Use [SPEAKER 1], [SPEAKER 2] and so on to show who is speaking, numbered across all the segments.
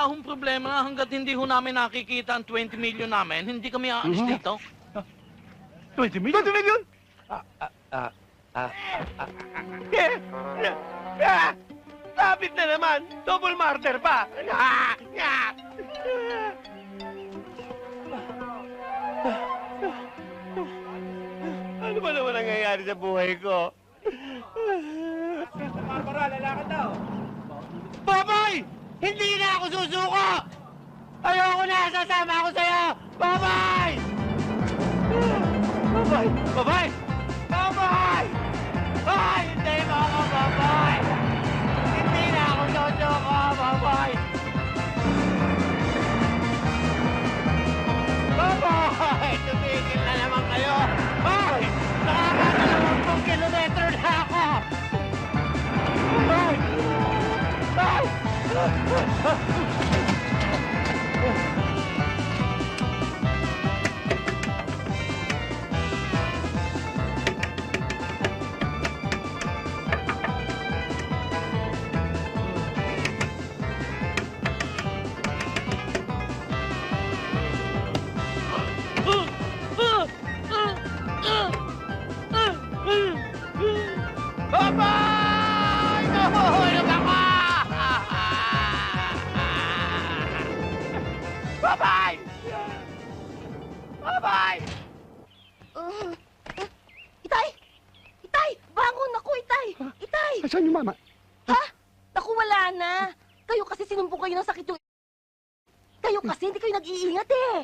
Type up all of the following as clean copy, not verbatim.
[SPEAKER 1] wala hong problema hanggat hindi ho namin nakikita ang 20 million namin. Hindi kami aalis dito.
[SPEAKER 2] 20 million? 20 million? Sabit na naman! Double murder pa! Ano ba naman nangyayari sa buhay ko? Barbara, lalakad daw! Babay! Hindi na ako susuko! Ayoko na! Sasama ako sa'yo! Babay! Babay! Babay! Babay! Ay! Hindi mo ako, babay! Hindi na ako susuko! Babay! Babay! Tumigil na naman kayo! Ay! Nakakadalawang kilometro na ako! Babay! Ay! Babay! Nahuhulog ako! Babay! Babay!
[SPEAKER 3] Itay! Itay! Bangon ako, Itay! Itay!
[SPEAKER 4] Saan yung mama?
[SPEAKER 3] Ha? Naku, wala na. Kayo kasi sinumpong kayo ng sakit yung... Kayo kasi hindi kayo nag-iingat eh.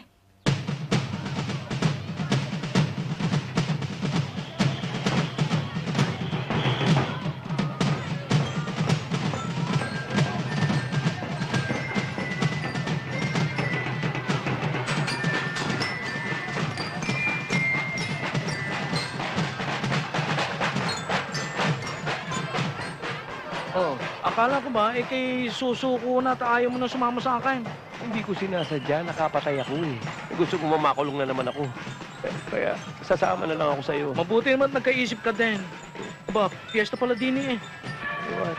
[SPEAKER 1] Oh, akala ko ba, kay susuko na at ayaw mo na sumama sa akin.
[SPEAKER 2] Hindi ko sinasadya, nakapatay ako eh. Gusto ko mamakulong na naman ako. Kaya sasama na lang ako sa'yo.
[SPEAKER 1] Mabuti naman at nagkaisip ka din. Aba, piyesta pala din eh.
[SPEAKER 2] What?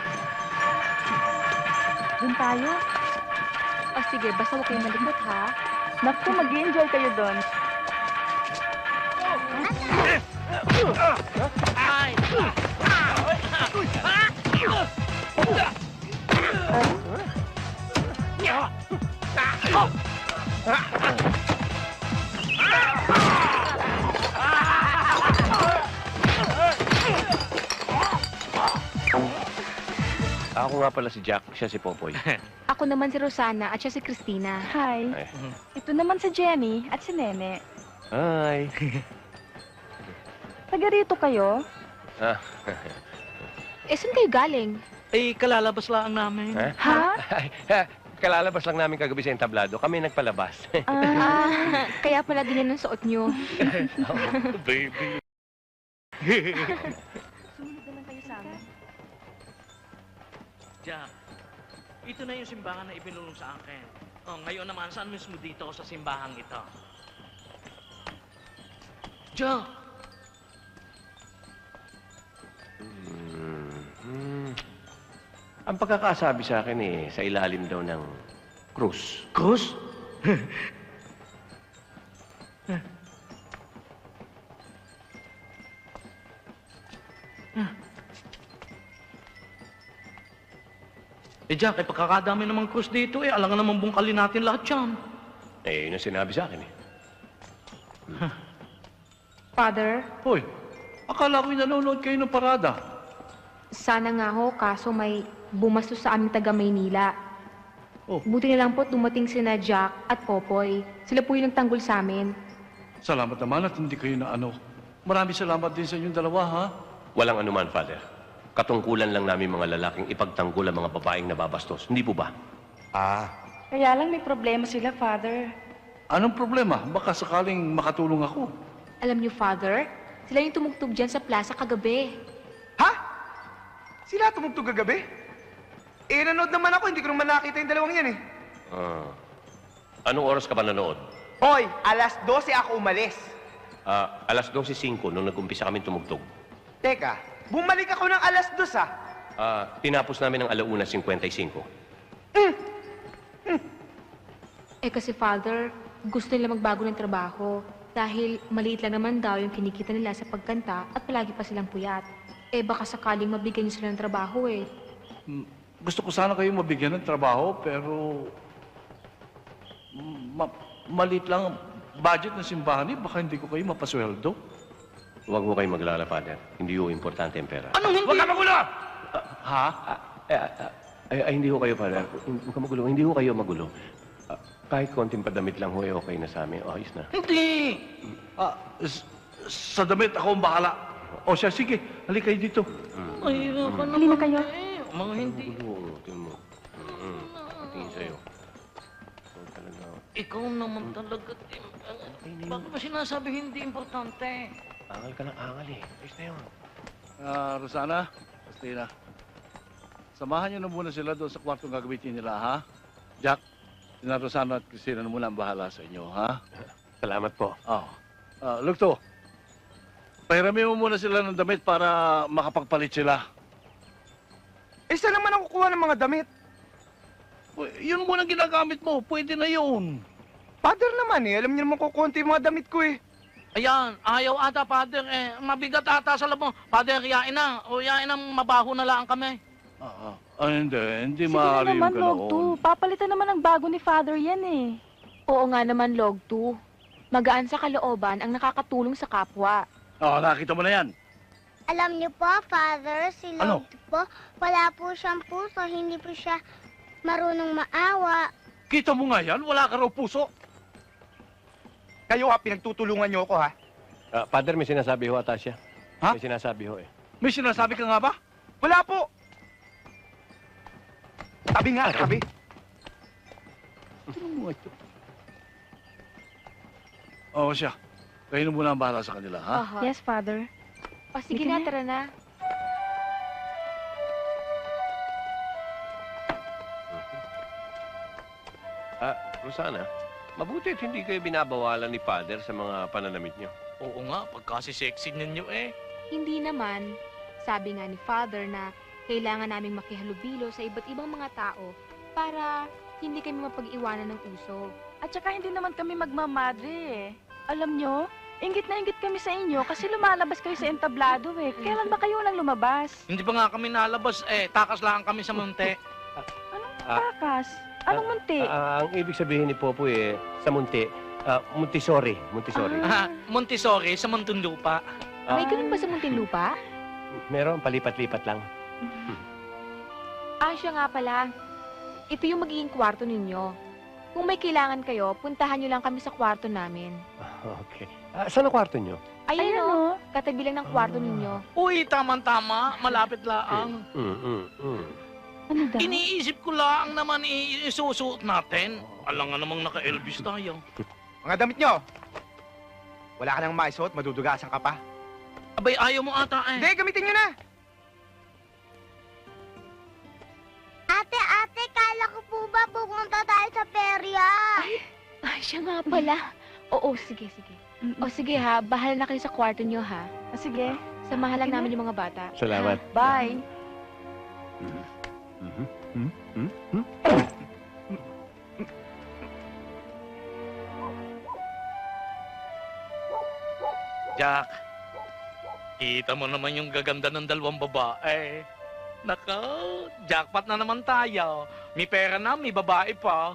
[SPEAKER 5] Doon tayo? O sige, basta huwag kayong malikot, ha? Naku, mag-enjoy kayo doon.
[SPEAKER 1] Ay!
[SPEAKER 2] Ako nga pala si Jack, siya si Popoy.
[SPEAKER 5] Ako naman si Rosana at siya si Christina. Hi.
[SPEAKER 2] Ay.
[SPEAKER 5] Ito naman si Jenny at si Nene.
[SPEAKER 2] Hi.
[SPEAKER 5] Taga rito kayo?
[SPEAKER 2] Ah,
[SPEAKER 5] Eh, saan kayo galing?
[SPEAKER 1] Eh, kalalabas lang namin.
[SPEAKER 2] ha?
[SPEAKER 5] Ha?
[SPEAKER 2] Ay, kalalabas lang namin kagabi sa entablado. Kami nagpalabas.
[SPEAKER 5] Kaya pala din ang suot nyo.
[SPEAKER 1] Baby.
[SPEAKER 5] Sumunod na lang kayo sa amin.
[SPEAKER 1] Jack, ito na yung simbahan na ibinulong sa akin. Oh, ngayon naman, saan mismo dito ako sa simbahang ito? Jack!
[SPEAKER 2] Ang pagkakasabi sa akin eh, sa ilalim daw ng krus.
[SPEAKER 1] Cruz? Eh, Jack, pagkakadami namang krus dito alangan naman bungkalin natin lahat yan.
[SPEAKER 2] Eh, yun ang sinabi sa akin eh.
[SPEAKER 5] Father,
[SPEAKER 1] Hoy, akala ko'y nanonood kayo ng parada.
[SPEAKER 5] sana nga ho, kaso may bumastos sa aming taga Maynila.
[SPEAKER 1] Oh.
[SPEAKER 5] Buti na lang po dumating sina Jack at Popoy. Sila po yung nagtanggol sa amin.
[SPEAKER 4] Salamat naman at hindi kayo na ano. Maraming salamat din sa inyong dalawa, ha?
[SPEAKER 2] Walang anuman, Father. Katungkulan lang namin mga lalaking ipagtanggol ang mga babaeng nababastos. Hindi po ba?
[SPEAKER 5] Kaya lang may problema sila, Father.
[SPEAKER 4] Anong problema? Baka sakaling makatulong ako.
[SPEAKER 5] Alam niyo, Father, sila yung tumugtog dyan sa plaza kagabi.
[SPEAKER 6] Ha? Sila tumugtog kagabi? Eh, nanood naman ako. Hindi ko naman nakita yung dalawang yan eh.
[SPEAKER 2] Anong oras ka ba nanood?
[SPEAKER 6] Hoy, alas 12 ako umalis.
[SPEAKER 2] Alas 12:05 nung nag-umpisa kami tumugtog.
[SPEAKER 6] Teka, bumalik ako ng alas 2 ah.
[SPEAKER 2] Tinapos namin ng 1:55.
[SPEAKER 5] Kasi Father, gusto nila magbago ng trabaho. Dahil maliit lang naman daw yung kinikita nila sa pagkanta at palagi pa silang puyat. Baka sakaling mabigyan niyo sila ng trabaho eh.
[SPEAKER 4] Gusto ko sana kayong mabigyan ng trabaho, pero... maliit lang ang budget ng simbahan eh. Baka hindi ko kayo mapasweldo.
[SPEAKER 7] Huwag mo kayong maglala, Father. Hindi ho importante ang pera.
[SPEAKER 1] Anong hindi?
[SPEAKER 4] Huwag ka magulo! Ha?
[SPEAKER 7] Hindi ho kayo, Father. Huwag ka magulo. Hindi ho kayo magulo. Kahit konting padamit lang ho, okay na sa amin. Ayos na.
[SPEAKER 1] Hindi!
[SPEAKER 4] Sa damit ako ang bahala. O siya, sige. Halika kayo dito.
[SPEAKER 1] Ay, ka naman.
[SPEAKER 5] Halina kayo.
[SPEAKER 1] Mga hindi.
[SPEAKER 7] Magulo. Tingnan mo. Tingin sa'yo. Huwag talaga.
[SPEAKER 1] Ikaw naman talaga, Tim. Bakit ba sinasabi hindi importante?
[SPEAKER 7] Angal ka ng angal eh. Ayos na yun.
[SPEAKER 4] Rosana, Christina. Samahan niyo na muna sila doon sa kwartong gagamitin nila, ha? Jack, sina Rosana at Christina na muna ang bahala sa inyo, ha?
[SPEAKER 7] Salamat po.
[SPEAKER 4] Oh. Lugto, pahiramin mo muna sila ng damit para makapagpalit sila.
[SPEAKER 6] Saan naman ako kuha ng mga damit?
[SPEAKER 4] Yun muna ang ginagamit mo. Pwede na yun.
[SPEAKER 6] Father naman eh. Alam niyo naman kukunti yung mga damit ko eh.
[SPEAKER 1] Ayan, ayaw ata, Father. Mabigat ata sa labo. Father, yain na. O yain na, mabaho na lang kami.
[SPEAKER 4] Hindi
[SPEAKER 5] Sige na
[SPEAKER 4] maaari yung
[SPEAKER 5] naman, Log
[SPEAKER 4] ganoon.
[SPEAKER 5] 2. Papalitan naman ng bago ni Father yan eh. Oo nga naman, Log 2. Magaan sa kalooban ang nakakatulong sa kapwa.
[SPEAKER 4] Nakita mo na yan.
[SPEAKER 8] Alam niyo po, Father, si
[SPEAKER 4] Ano?
[SPEAKER 8] Lord po, wala po siyang puso, hindi po siya marunong maawa.
[SPEAKER 4] Kita mo nga yan, wala ka raw puso.
[SPEAKER 6] Kayo ha, pinagtutulungan niyo ako ha.
[SPEAKER 7] Father, may sinasabi ho ata siya.
[SPEAKER 4] Ha?
[SPEAKER 7] May sinasabi ho eh.
[SPEAKER 4] May sinasabi ka nga ba?
[SPEAKER 6] Wala po. Tabi nga, tabi.
[SPEAKER 4] Oo siya. Kayo na muna ang bahala sa kanila, ha?
[SPEAKER 5] Aha. Yes, Father. O sige na, tara na.
[SPEAKER 7] Rosana, mabuti at hindi kayo binabawalan ni Father sa mga pananamit niyo.
[SPEAKER 1] Oo nga, pagkasi-sexy ninyo eh.
[SPEAKER 5] Hindi naman. Sabi nga ni Father na kailangan naming makihalubilo sa iba't ibang mga tao para hindi kami mapag-iwanan ng uso.
[SPEAKER 9] At saka hindi naman kami magmamadre eh. Alam nyo, inggit na inggit kami sa inyo kasi lumalabas kayo sa entablado eh. Kailan ba kayo nang lumabas?
[SPEAKER 1] Hindi pa nga kami nalabas eh. Takas lang kami sa munti.
[SPEAKER 9] Anong takas? Anong munti?
[SPEAKER 7] Ang ibig sabihin ni Popoy sa munti, Montessori. Montessori.
[SPEAKER 1] Montessori sa Muntinlupa.
[SPEAKER 5] May ganun ba sa Muntinlupa?
[SPEAKER 7] Meron, palipat-lipat lang.
[SPEAKER 5] Siya nga pala. Ito yung magiging kwarto ninyo. Kung may kailangan kayo, puntahan nyo lang kami sa kwarto namin.
[SPEAKER 7] Okay. Saan ang kwarto niyo?
[SPEAKER 5] Ayun o, katabi lang ng kwarto ninyo.
[SPEAKER 1] Uy, tama-tama. Malapit lang.
[SPEAKER 9] Ano daw?
[SPEAKER 1] Iniisip ko lang naman isusuot natin. Alam nga namang naka-Elvis tayo.
[SPEAKER 6] Mga damit niyo. Wala ka nang maisuot, madudugasan ka pa.
[SPEAKER 1] Abay, ayaw mo ata eh.
[SPEAKER 6] Hindi, gamitin niyo na.
[SPEAKER 8] Ate, kala ko po ba pupunta tayo sa perya?
[SPEAKER 5] Siya nga pala. Oo, sige. O sige ha, bahala na kayo sa kwarto nyo ha.
[SPEAKER 9] Sige.
[SPEAKER 5] Samahan lang namin yung mga bata.
[SPEAKER 7] Salamat.
[SPEAKER 9] Bye.
[SPEAKER 1] Jack, kita mo naman yung gaganda ng dalawang babae. Nako, jackpot na naman tayo. May pera na, may babae pa.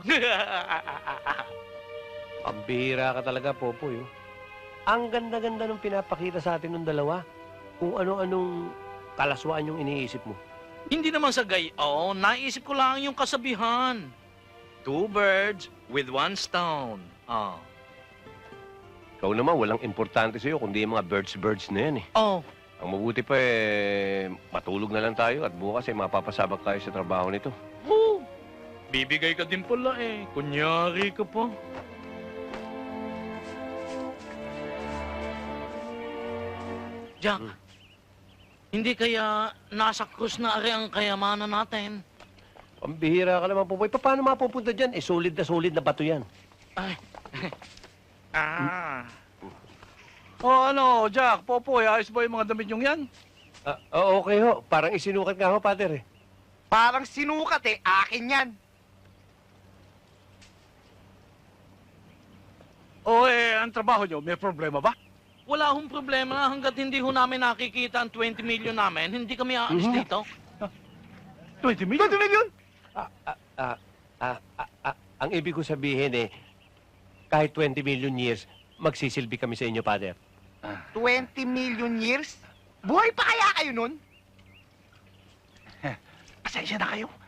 [SPEAKER 7] Pambihira ka talaga, Popoy. Ang ganda-ganda nung pinapakita sa atin ng dalawa. Kung ano-anong kalaswaan yung iniisip mo.
[SPEAKER 1] Hindi naman sa gayon, naisip ko lang yung kasabihan. 2 birds with 1 stone.
[SPEAKER 7] Ikaw naman, walang importante sa'yo kundi yung mga birds na yan eh.
[SPEAKER 1] Oh,
[SPEAKER 7] Ang mabuti pa matulog na lang tayo at bukas mapapasabak tayo sa trabaho nito.
[SPEAKER 1] oh. Bibigay ka din pala eh. Kunyari ka pa. Jack, hindi kaya nasa krus na ari ang kayamanan natin?
[SPEAKER 7] Pambihira ka naman, Popoy. Paano mapupunta dyan? Solid na bato yan.
[SPEAKER 1] Ay.
[SPEAKER 4] Jack, Popoy, ayos ba yung mga damit yung yan?
[SPEAKER 7] Okay ho. Parang isinukat nga ho, Pater eh.
[SPEAKER 6] Parang sinukat eh, akin yan.
[SPEAKER 4] O ang trabaho nyo, may problema ba?
[SPEAKER 1] Wala hong problema hanggat hindi ho namin nakikita ang 20 million namin, hindi kami aalis dito.
[SPEAKER 4] 20 million?
[SPEAKER 6] 20 million?
[SPEAKER 7] Ang ibig ko sabihin kahit 20 million years, magsisilbi kami sa inyo, Father.
[SPEAKER 6] 20 million years? Buhay pa kaya kayo nun? Pasensya na kayo.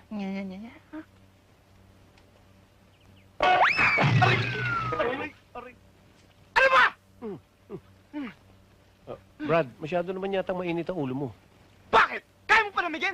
[SPEAKER 6] Ano ba?
[SPEAKER 7] Brad, masyado naman yata mainit ang ulo mo.
[SPEAKER 6] Bakit? Kaya mo pa namigyan?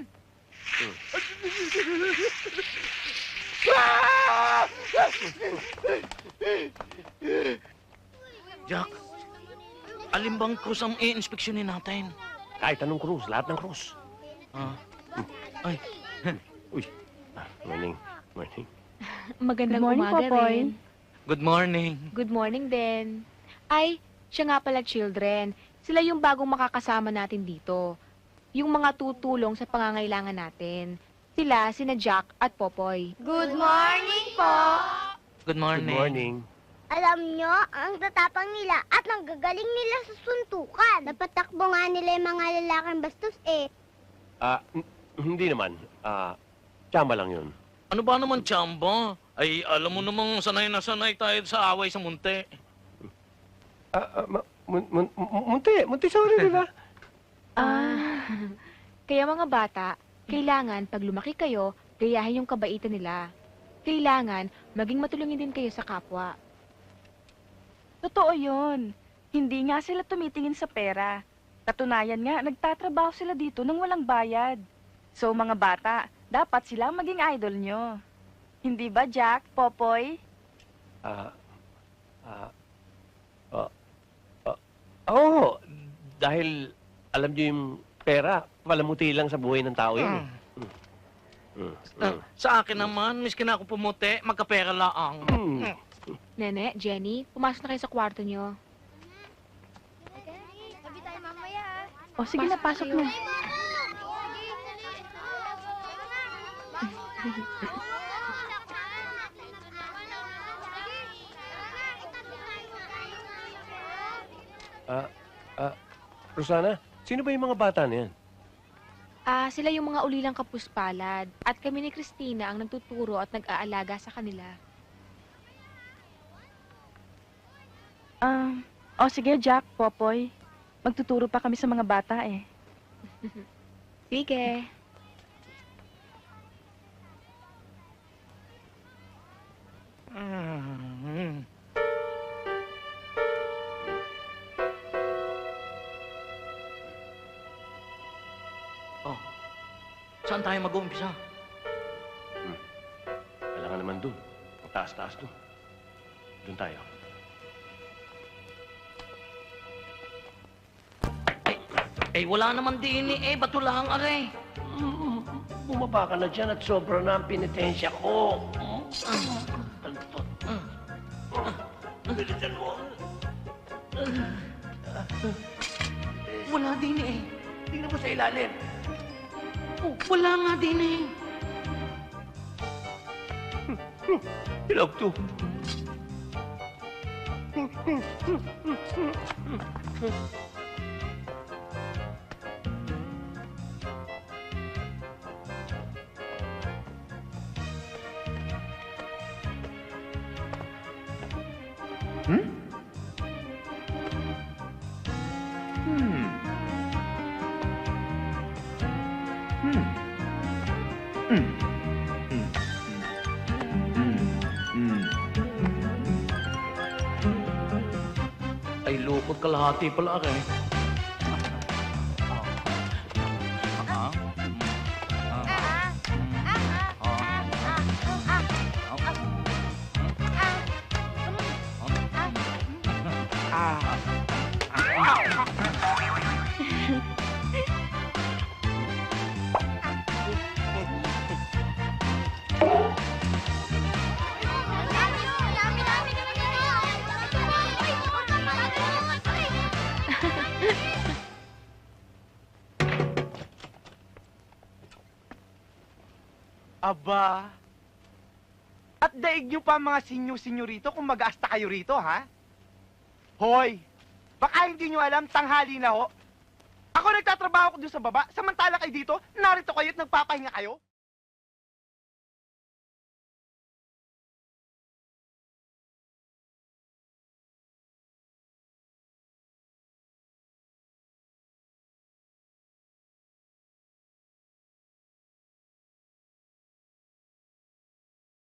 [SPEAKER 1] Jack, alin bang krus ang i-inspeksyonin natin?
[SPEAKER 7] Kahit anong krus, lahat ng krus.
[SPEAKER 1] Ah. Ay,
[SPEAKER 7] Morning. Morning.
[SPEAKER 5] Magandang
[SPEAKER 9] Good morning,
[SPEAKER 5] umaga
[SPEAKER 9] Popoy.
[SPEAKER 5] rin.
[SPEAKER 1] good morning.
[SPEAKER 5] Good morning din. Ay, siya nga pala, children. Sila yung bagong makakasama natin dito. Yung mga tutulong sa pangangailangan natin. Sila, sina Jack at Popoy.
[SPEAKER 8] Good morning po!
[SPEAKER 1] Good morning.
[SPEAKER 7] Good morning.
[SPEAKER 8] Alam nyo, ang tatapang nila at ang gagaling nila sa suntukan. Napatakbo nga nila yung mga lalaking bastos eh.
[SPEAKER 7] Hindi naman. Tsamba lang yun.
[SPEAKER 1] Ano ba naman, Chamba? Ay, alam mo namang sanay na sanay tayo sa away sa munti.
[SPEAKER 7] Munti sa rin, di ba?
[SPEAKER 5] Kaya mga bata, kailangan pag lumaki kayo, gayahin yung kabaitan nila. Kailangan maging matulungin din kayo sa kapwa.
[SPEAKER 9] Totoo yun. Hindi nga sila tumitingin sa pera. Katunayan nga, nagtatrabaho sila dito nang walang bayad. So mga bata, dapat sila ang maging idol nyo. Hindi ba, Jack, Popoy?
[SPEAKER 7] Oo, dahil alam niyo yung pera, palamuti lang sa buhay ng tao yun.
[SPEAKER 1] Sa akin naman, miskin ako pumuti, magkapera laang.
[SPEAKER 5] Nene, Jenny, pumasok na kayo sa kwarto nyo.
[SPEAKER 8] Sabi tayo mamaya.
[SPEAKER 9] O sige na, pasok
[SPEAKER 5] kayo.
[SPEAKER 9] na.
[SPEAKER 7] Rosana, sino ba yung mga bata na yan?
[SPEAKER 5] Sila yung mga ulilang kapuspalad. At kami ni Christina ang nagtuturo at nag-aalaga sa kanila.
[SPEAKER 9] O sige, Jack, Popoy. Magtuturo pa kami sa mga bata eh.
[SPEAKER 5] Sige.
[SPEAKER 1] Oh, saan tayo mag-uumpisa?
[SPEAKER 7] Kailangan naman dun. Ang taas-taas dun. Dun tayo.
[SPEAKER 1] Eh, wala naman din eh. Bato lang, aray.
[SPEAKER 7] Bumaba ka na dyan at sobra na ang pinitensya ko. Bilisan mo.
[SPEAKER 1] Wala din eh.
[SPEAKER 7] Tingnan mo sa ilalim.
[SPEAKER 1] Oh, wala nga din eh.
[SPEAKER 7] Hilog to.
[SPEAKER 1] Ay, lukot kalahati pala aray.
[SPEAKER 6] Aba. At daig nyo pa mga sinyo-sinyo rito kung mag-aasta kayo rito, ha? Hoy, baka hindi nyo alam, tanghali na ho. Ako nagtatrabaho ko doon sa baba, samantala kayo dito, narito kayo at nagpapahinga kayo.